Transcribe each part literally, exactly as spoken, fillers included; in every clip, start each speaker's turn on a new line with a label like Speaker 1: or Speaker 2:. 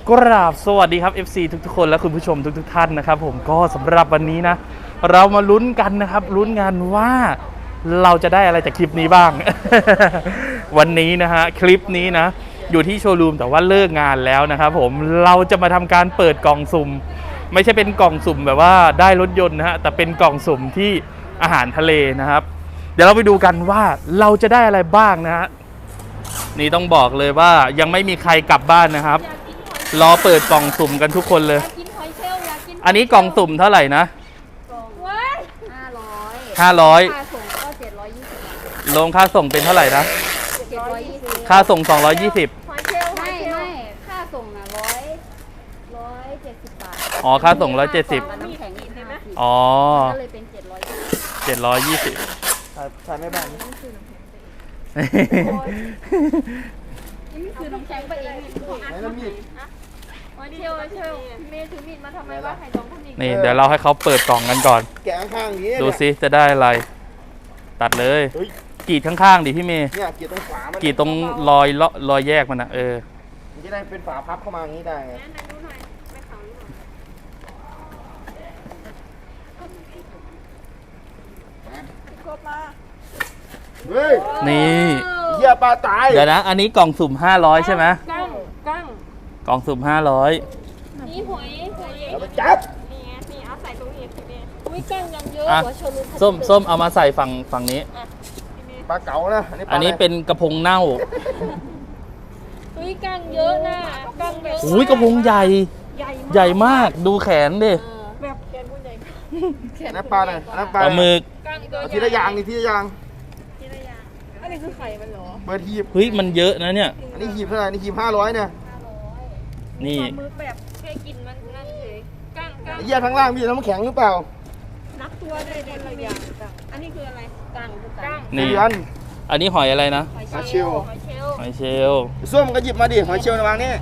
Speaker 1: กราบสวัสดีครับ เอฟ ซี ทุกๆคนและคุณผู้ชมทุกๆท่านนะครับผมก็สำหรับวันนี้นะเรามาลุ้นกันนะครับลุ้นกันว่าเราจะได้อะไรจากคลิปนี้บ้าง วันนี้นะฮะคลิปนี้นะอยู่ที่โชว์รูมแต่ว่าเลิกงานแล้วนะครับผมเราจะมาทำการเปิดกล่องสุ่มไม่ใช่เป็นกล่องสุ่มแบบว่าได้รถยนต์นะฮะแต่เป็นกล่องสุ่มที่อาหารทะเลนะครับเดี๋ยวเราไปดูกันว่าเราจะได้อะไรบ้างนะฮะนี่ต้องบอกเลยว่ายังไม่มีใครกลับบ้านนะครับรอเปิดกล่องสุ่มกันทุกคนเลยอันนี้กล่องสุ่มเท่าไหร่นะ
Speaker 2: ห้าร้อย
Speaker 1: ห้าร้อย
Speaker 2: ค่าส่งก็เจ็ดร้อยยี่สิบ
Speaker 1: ลงค่าส่งเป็นเท่าไหร่นะ
Speaker 2: เจ็ดร้อยยี่สิบ
Speaker 1: ค่าส่งสองร้อยยี่สิบ
Speaker 2: ไม่ไม่ค่าส่งอ่ะร้อยร้อยเจ็ดสิบบาท
Speaker 1: อ๋อค่าส่งร้อยเจ็ดสิบ
Speaker 2: น้ำแข็งอีกใช่ไหม
Speaker 1: อ๋อ
Speaker 2: ก็เลยเป็นเจ็ดร้อยยี่สิบ
Speaker 1: เจ็ดร้อยยี่สิบ
Speaker 3: ใช่ไม่บ้างนี่
Speaker 2: คือน้ำแข็งไปเอง
Speaker 3: ไหนน้ำมีด
Speaker 2: เชียวเชียวเมย์ถือมีดมาทำไมว่าไข่ดองคนนี้
Speaker 1: นี่เดี๋ยวเราให้เขาเปิดกล่องกันก่อน
Speaker 3: แกะข้างนี้
Speaker 1: ดูซิจะได้อะไรตัดเลยกรีดข้างๆดิพี่เมย์
Speaker 3: เนี่ยกรีดตรงฝามัน
Speaker 1: กรีดตรงรอยรอยแยกมันนะเออ
Speaker 3: มันจะได้เป็นฝาพับเข้ามาอย่างนี้ได้ไงเฮ้ย
Speaker 1: นี่
Speaker 3: เหี้ยปลาตาย
Speaker 1: เดี๋ยวนะอันนี้กล่องสุ่มห้าร้อยใช่ไหม
Speaker 2: กั้งกั้ง
Speaker 1: กล่องสุ่มห้าร้อย
Speaker 2: นี่หวยหวย
Speaker 3: แล้วมาจับ
Speaker 2: นี่ไงนี่เอาใส่ตรงนี้ทีนี้อุ้ยกั้งยังเยอะหัวชลุ
Speaker 1: ส้มส้มเอามาใส่ฝั่งฝั่งนี้
Speaker 3: ปลาเก๋านะ
Speaker 1: อันนี้เป็นกระพงเน่า
Speaker 2: อุ้ยกั้งเยอะนะกั้งเยอะ
Speaker 1: อุ้ยกระพงใหญ่ใหญ่มากดูแขนดิ
Speaker 2: แบบแขนผู้ใหญ่
Speaker 3: น้ำปลาหน่อยน้ำปลา
Speaker 1: ปลาหมึก
Speaker 3: ทีละอย่างนี่ทีละอย่าง
Speaker 2: อันนี้คือไข่มันเหรอ
Speaker 3: เปิดหีบ
Speaker 1: เฮ้ยมันเยอะนะเนี่ย
Speaker 3: อันนี้หีบเท่าไหร่นี่หีบห้าร้อยเนี่ย
Speaker 1: นี่
Speaker 2: มือแบบแค่กินมันนั่นเลยกั้งกั้ง
Speaker 3: เหี้ยทั้งล่างมีน้ำแข็งหรือเปล่า
Speaker 2: นับตัวได้คนละอย่างอันนี้คืออะไรกั้งกั้ง
Speaker 1: นี่อันนี้หอยอะไรนะ
Speaker 3: หอยเชลล์
Speaker 1: หอยเชลล์
Speaker 3: ส้มก็หยิบมาดิหอยเชลล์วางนี่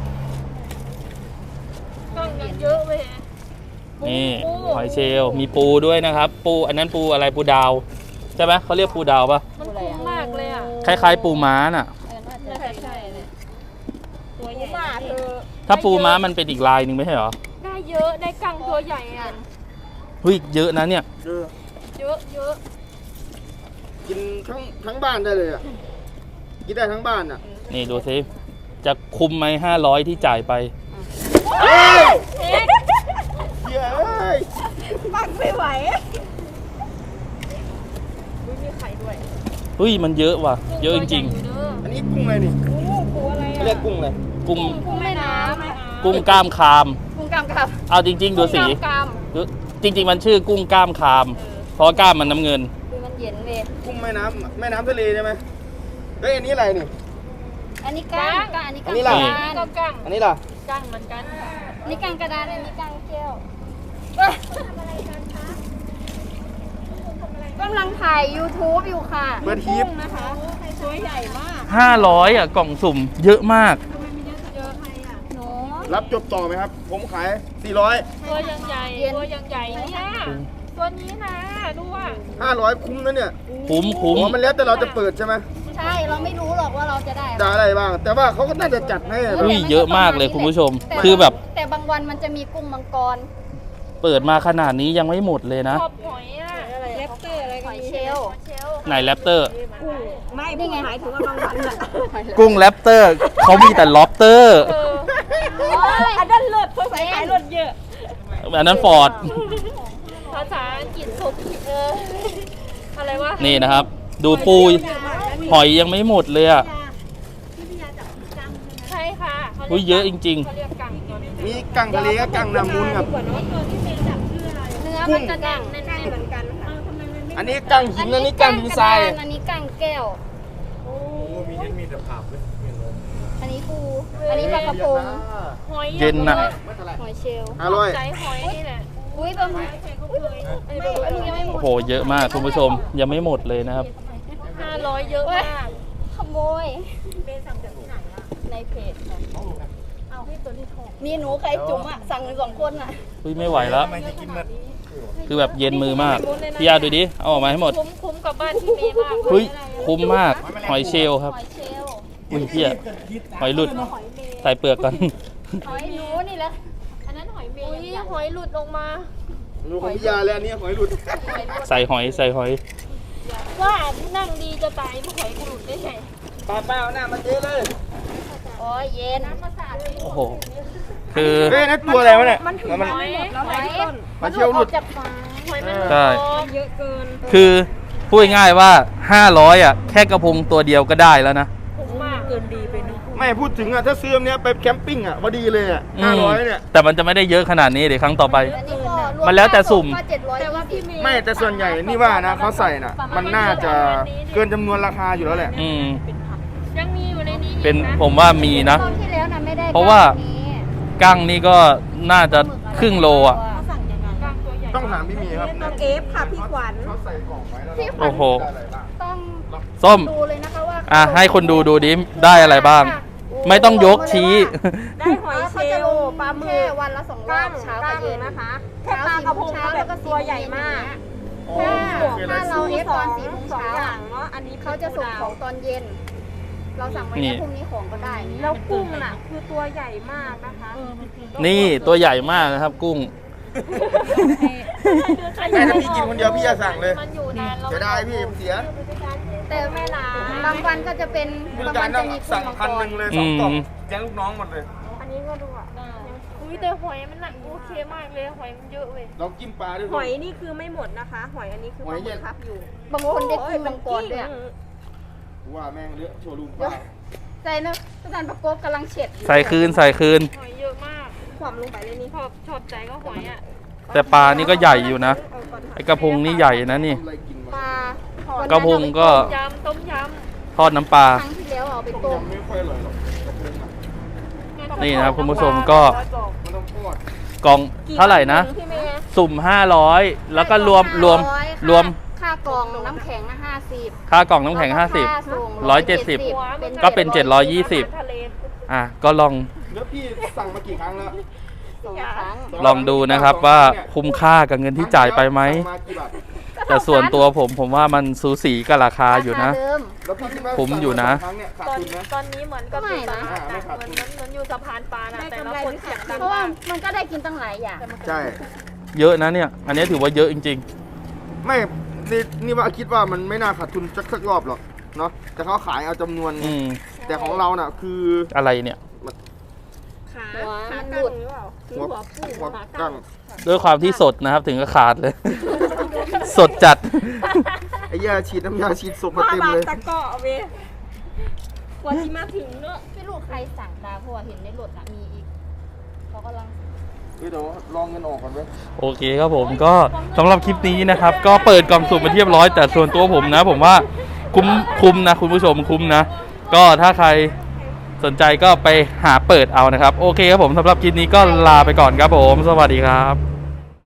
Speaker 2: กั้งเยอะเลย
Speaker 1: นี่หอยเชลล์มีปูด้วยนะครับปูอันนั้นปูอะไรปูดาวใช่ไหมเขาเรียกปูดาวปะ
Speaker 2: มันคุ้มมากเลยอ่ะ
Speaker 1: คล้ายๆปูม้าน่ะ
Speaker 2: ใช่ใช่เลยตัวใหญ่มากเธอ
Speaker 1: ถ้าปูม้ามันเป็นอีกลายหนึ่งไม่ใช่หรอ
Speaker 2: ได้เยอะได้กั้งตัวใหญ่อ่ะ
Speaker 1: เฮ้ยเยอะนะเนี่ย
Speaker 3: เยอะ
Speaker 2: เยอะเยอะ
Speaker 3: กินทั้งทั้งบ้านได้เลยอ่ะกินได้ทั้งบ้านอ่ะ
Speaker 1: นี่ดูสิจะคุ้มไหมห้าร้อยที่จ่ายไป
Speaker 3: เฮ้ยเฮ้ย
Speaker 2: ปักไม่ไหวมีไข่ด้วย
Speaker 1: เฮ้ยมันเยอะว่ะเยอะจริง
Speaker 3: ๆอันนี้กุ้งอะไรนี่
Speaker 2: กุ้งอะไร
Speaker 3: เขาเรียกกุ้งอะไร
Speaker 1: กุ้ง
Speaker 2: กุ้งแม่น้ำ
Speaker 1: กุ้งกล้ามคาม
Speaker 2: กุ้งกล้ามคาม
Speaker 1: เอาจริงๆดูสีจริงๆมันชื่อกุ้งกล้ามคามเพราะกล้ามมันน้ำเงิน
Speaker 2: คือมันเย็นเลย
Speaker 3: กุ้งแม่น้ำแม่น้ำทะเลใช่ไหมเฮ้ยอันนี้อะไรนี่
Speaker 2: อันนี้กั้งอันนี้กั้งก็กั้ง
Speaker 3: อันนี้ล่ะ
Speaker 2: กั้งเหมือนกันนี่กั้งกระดานอันนี้กั้งแก้วกำลังถ่าย ยูทูบ อยู่ค่ะ
Speaker 3: เปิดทีป
Speaker 2: นะคะตัวใหญ่มาก
Speaker 1: ห้าร้อยอ่ะกล่องสุ่มเยอะมาก
Speaker 2: ทำไมมีเยอะเยอะใครอ่ะหนู
Speaker 3: รับจบต่อไหมครับผมขายสี่ร้อย
Speaker 2: ตัวยังใหญ่ตัวยังใหญ่เนี่ยตัวนี้นะดูว่า
Speaker 3: ห้าร้อยคุ้มนะเนี่ย
Speaker 1: คุ้มคุ้ม
Speaker 3: มันแล้วแต่เราจะเปิดใช่ไหม
Speaker 2: ใช่เราไม่รู้หรอกว่าเราจะได้
Speaker 3: ได้อะไรบ้างแต่ว่าเขาก็น่าจะจัดให้
Speaker 1: อุ้ยเยอะมากเลยคุณผู้ชมคือแบบ
Speaker 2: แต่บางวันมันจะมีกุ้งมังกร
Speaker 1: เปิดมาขนาดนี้ยังไม่หมดเลยนะ
Speaker 2: ชอบหอยอะแรปเตอร์อะไรหอยเชลล์
Speaker 1: ไหนแรปเตอร์
Speaker 2: ไม่นี่ไงหมายถึงว่าบางวันอะ
Speaker 1: กุ้งแรปเตอร์เขามีแต่ล็อบเตอร์
Speaker 2: อันนั้นเลิศเพราะใส่ขายรถเยอะ
Speaker 1: อันนั้นฟอร์ด
Speaker 2: ภาษาอังกฤษสุดเอออะไรวะ
Speaker 1: นี่นะครับดูปูหอยยังไม่หมดเลยอ่ะ
Speaker 2: ใช่ค่ะ
Speaker 1: อุ้ยเยอะจริง
Speaker 3: ๆมีกังทะเลกับกังน้ำมูลครับ
Speaker 2: เนื้อมันจะดังแน่นๆเหมือนกันค่ะ
Speaker 3: อันนี้กังหินอันนี้กังหินทราย
Speaker 2: อันนี้กังแก้ว
Speaker 3: โอ้มีเห็นมีแต่ผักเลย
Speaker 2: อันนี้ปูอันนี้ปลากระพง
Speaker 1: หอยเย็นน่ะ
Speaker 2: หอยเชลล์
Speaker 3: อร่อย
Speaker 2: ใจหอยนี่แหละอุ้ยปลาหมึก
Speaker 1: โอ้โหเยอะมากคุณผู้ชมยังไม่หมดเลยนะครับ
Speaker 2: ห้าร้อยเยอะมากขโมยเป็นสั่งจากที่ไหนอะในเพจเอาให้ตัวที่ทองมีหนูใครจุ๋มอะสั่งสองคนอะ
Speaker 1: อุ้ยไม่ไหวแล้วคือแบบเย็นมือมากพี่ยาดูดิเอาออกมาให้หมด
Speaker 2: คุ้มกับบ้านที่เมย์มาก
Speaker 1: อุ้ยคุ้มมากหอยเชลล์ครับอุ้ยพี่ยาหอยหลุดใส่เปลือกก่อน
Speaker 2: หอยหนูนี่แหละ
Speaker 4: อันนั้นหอยเมย์
Speaker 2: อุ้ยหอยหลุดลงมา
Speaker 3: หนูของพิยาเลยอันนี้หอยหลุด
Speaker 1: ใส่หอยใส่หอย
Speaker 4: ว่านั่งดีจะตายไม่หอยกระหลุดได้ไง
Speaker 3: ป้าป้าเอาหน้ามาเจ๊เลย
Speaker 2: โอ้ยเย็น
Speaker 1: โอ้โห คือ
Speaker 3: เฮ้ยนั่นตัวอะไรวะเนี่ยมัน
Speaker 4: หอย
Speaker 2: แล้วหอย
Speaker 3: มาเที่ยวหลุด
Speaker 2: จับปลา
Speaker 4: หอยมัน
Speaker 1: ใช่
Speaker 4: เยอะเกิน
Speaker 1: คือพูดง่ายๆว่าห้าร้อยอ่ะแค่กระพงตัวเดียวก็ได้แล้วนะ
Speaker 4: คุ้มมากเกินดีไปนึง
Speaker 3: ไม่พูดถึงอ่ะถ้าซื้ออันเนี้ยไปแคมปิ้งอ่ะพอดีเลยอ่ะห้าร้อยเนี่ย
Speaker 1: แต่มันจะไม่ได้เยอะขนาดนี้เดี๋ยวครั้งต่อไป
Speaker 2: อันนี้ก็ร
Speaker 1: มันแล้วแต่สุ่ม
Speaker 2: ก็เจ็ดร้อย
Speaker 4: แต่ว่าพี่เมย์
Speaker 3: ไม่แต่ส่วนใหญ่นี่ว่านะเขาใส่น่ะ มันน่าจะเกินจำนวนราคาอยู่แล้วแหละ
Speaker 1: อืม
Speaker 4: ยังมีอยู่ในนี้
Speaker 1: เป็นผมว่ามีนะ
Speaker 2: ตอนที่แล้วน่ะไม่ได้
Speaker 1: เพราะว่า
Speaker 2: แบบนี้
Speaker 1: กั้งนี่ก็น่าจะครึ่งโลอ่ะ
Speaker 4: สั่งยังไงกลางตัวใหญ่
Speaker 3: ต้องถามพี่มีครับ
Speaker 4: ต้องเอฟค่ะพี่ขวัญ
Speaker 3: เขาใส่กล่องไว้แล้ว
Speaker 2: พี่ขวัญ
Speaker 1: โอ้โห
Speaker 2: ต้อง
Speaker 1: ส้ม
Speaker 2: ดูเลยนะคะว่า
Speaker 1: อ่ะให้คนดูดูดิได้อะไรบ้าง ไม่ต้องยกชี้
Speaker 4: ได้หอยเชลล์ปลาหมึ
Speaker 2: แค่
Speaker 4: ก
Speaker 2: วันละสองรอ
Speaker 4: กั้
Speaker 2: บ
Speaker 4: ง
Speaker 2: เช้า
Speaker 4: กั้
Speaker 2: กับ
Speaker 4: ง
Speaker 2: เย็น
Speaker 4: นะคะแค่ปลากระพงก็แบบตัวใหญ่มาก
Speaker 2: ถ้าถ้าเราเอฟตอนสี่โมง
Speaker 4: สอง
Speaker 2: เช้า
Speaker 4: อย่างเนาะอันนี้
Speaker 2: เขาจะส่งของตอนเย็น เราสั่งไว้
Speaker 1: นี่
Speaker 2: แค่พรุ่งนี้ของก็ได้นี่
Speaker 4: แล้วกุ้งน่ะคือตัวใหญ่มากนะคะ
Speaker 1: นี่ตัวใหญ่มากนะครับ กุ้ง
Speaker 3: แม่ถ้าพี่กินคนเดียวพี่จะสั่งเลย
Speaker 4: มันอยู่นานเรา
Speaker 3: เสียดายพี่เสีย
Speaker 2: แต่ไม่ลาบางวันก็จะเป็น
Speaker 3: ผู้
Speaker 2: บาง
Speaker 3: จัดกา
Speaker 2: วั
Speaker 3: ร
Speaker 2: น
Speaker 3: ต้
Speaker 2: จะ
Speaker 3: อง
Speaker 2: มี
Speaker 3: สั่ง
Speaker 2: มังก
Speaker 3: พันห
Speaker 2: ร
Speaker 3: นึ่งเลยสองกล่อง
Speaker 1: อืม
Speaker 3: แกงลูกน้องหมดเลย
Speaker 4: อันนี้ก็ดูอ่ะอุ้ยแต่หอยมันหนักโอเคมากเลยหอยมันเยอะเว้ย
Speaker 3: ลองจิ้มปลาด้วย
Speaker 4: หอยนี่คือไม่หมดนะคะ หอยอันนี้คือปลาหมึกครับอยู่
Speaker 2: บางคนได้กินมังกรด้วยอะ
Speaker 3: ว่าแม่งเลือะโชว์รูมป
Speaker 2: เดี๋ยว
Speaker 3: ลา
Speaker 2: ใจนะอาจารย์ประกบกำลังเช็ดอยู่
Speaker 1: ใส่คืนใส่คืน
Speaker 4: หอยเยอะมากความลงไปเลยนี่ชอบชอบใจก็หอยอ่ะ
Speaker 1: แต่ปลานี่ก็ใหญ่อยู่นะ ไอกระพงนี่ใหญ่นะนี่
Speaker 3: ทำอะไรกิน
Speaker 2: ป
Speaker 3: วะ
Speaker 2: ลา
Speaker 1: กระพงก็
Speaker 4: ต้มยำต้มย
Speaker 1: ทอดน้ำปลา
Speaker 2: ครั้งที่แล้วเอาไป
Speaker 3: ต้
Speaker 2: ต้
Speaker 3: ม
Speaker 2: ม
Speaker 3: ยำไม่ค่อยอร่อยหรอกกระพงอ่ะ
Speaker 4: ำ
Speaker 1: นี่นะครับคุณผู้ชมก็
Speaker 3: มันต้องทอด
Speaker 1: กล่องเท่าไหร่นะ
Speaker 4: พี่เมย์
Speaker 1: สุ่มห้าร้อยแล้วก็รวมรวมรวม
Speaker 2: ค่ากล่องน้ำแข็งห้าสิบ
Speaker 1: ค่ากล่องน้ำแข็งห้าสิบ ร้อยเจ็ดสิบ ก็เป็นเจ็ดร้อยยี่สิบ
Speaker 4: ทะเล
Speaker 1: อ่ะก็ลอง
Speaker 3: แล้วพี่สั่งมากี่ครั้งแล้ว
Speaker 2: สองครั้ง
Speaker 1: ลองดูนะครับว่าคุ้มค่ากับเงินที่จ่ายไปไหม
Speaker 3: สั่งมากี่บาท
Speaker 1: แต่ส่วนตัวผมผมว่ามันสูสีกับราคาอยู่นะ
Speaker 2: ราคาเดิม
Speaker 3: แล้วพี่คิดว่า
Speaker 1: คุ้มอยู่นะ
Speaker 3: สั่งมาสองครั้งเนี่ยขาด
Speaker 4: ตอน
Speaker 3: ทุนไหม
Speaker 4: ตอนนี้เหมือนกับ
Speaker 2: ไม่
Speaker 4: อยู่ต
Speaker 2: นะ
Speaker 4: ลาดอะเหมือนเหมือนเหมือนอยู่สะพานปลานะแต่ละคนเสียงดัง
Speaker 2: เพราะว่าม
Speaker 4: าก
Speaker 2: มันก็ได้กินตั้งหลายอย่าง
Speaker 3: ใช่
Speaker 1: เยอะนะเนี่ย อันนี้ถือว่าเยอะจริง
Speaker 3: ไม่นี่นี่ว่าคิดว่ามันไม่น่าขาดทุนสักสักรอบหรอกเนาะแต่เขาขายเอาจำนวน
Speaker 1: ๆ อืม
Speaker 3: แต่ของเราน่ะคือ
Speaker 1: อะไรเนี่ย
Speaker 4: ขา
Speaker 2: หัว
Speaker 4: ขา
Speaker 2: มัน
Speaker 4: กั้
Speaker 2: หลุ
Speaker 4: ง
Speaker 2: ด
Speaker 4: หรือเปล่า
Speaker 3: หัว
Speaker 4: หัวปู
Speaker 3: หัว
Speaker 4: ขา
Speaker 3: กั้
Speaker 4: กั้
Speaker 3: ง
Speaker 4: ง
Speaker 1: ด้วยความที่สดนะครับ ถึงก็ขาดเลย สดจัด
Speaker 3: ไอ้ยาฉีดน้ำยาฉีดศพมา
Speaker 4: มา
Speaker 3: เต็ม
Speaker 4: บา
Speaker 3: เลย
Speaker 4: ตะเกาะเว้ยกว่าที่มาถึงเนอะ
Speaker 2: ไม่รู้ใครสั่งตาเพราะว่าเห็นในรถอะมีอีกเขากำลัง
Speaker 3: เฮ้ยเดี๋ยวลองเงินออกก่อนเว้ย
Speaker 1: โอเคครับผมก็สำหรับคลิปนี้นะครับ ก็เปิดกล่องสุ่มมาเรียบร้อย แต่ส่วนตัวผมนะ ผมว่าคุ้มคุ้มนะคุณผู้ชมคุ้มนะ ก็ถ้าใครสนใจก็ไปหาเปิดเอานะครับ โอเคครับผมสำหรับคลิปนี้ก็ลาไปก่อนครับผม สวัสดีครับ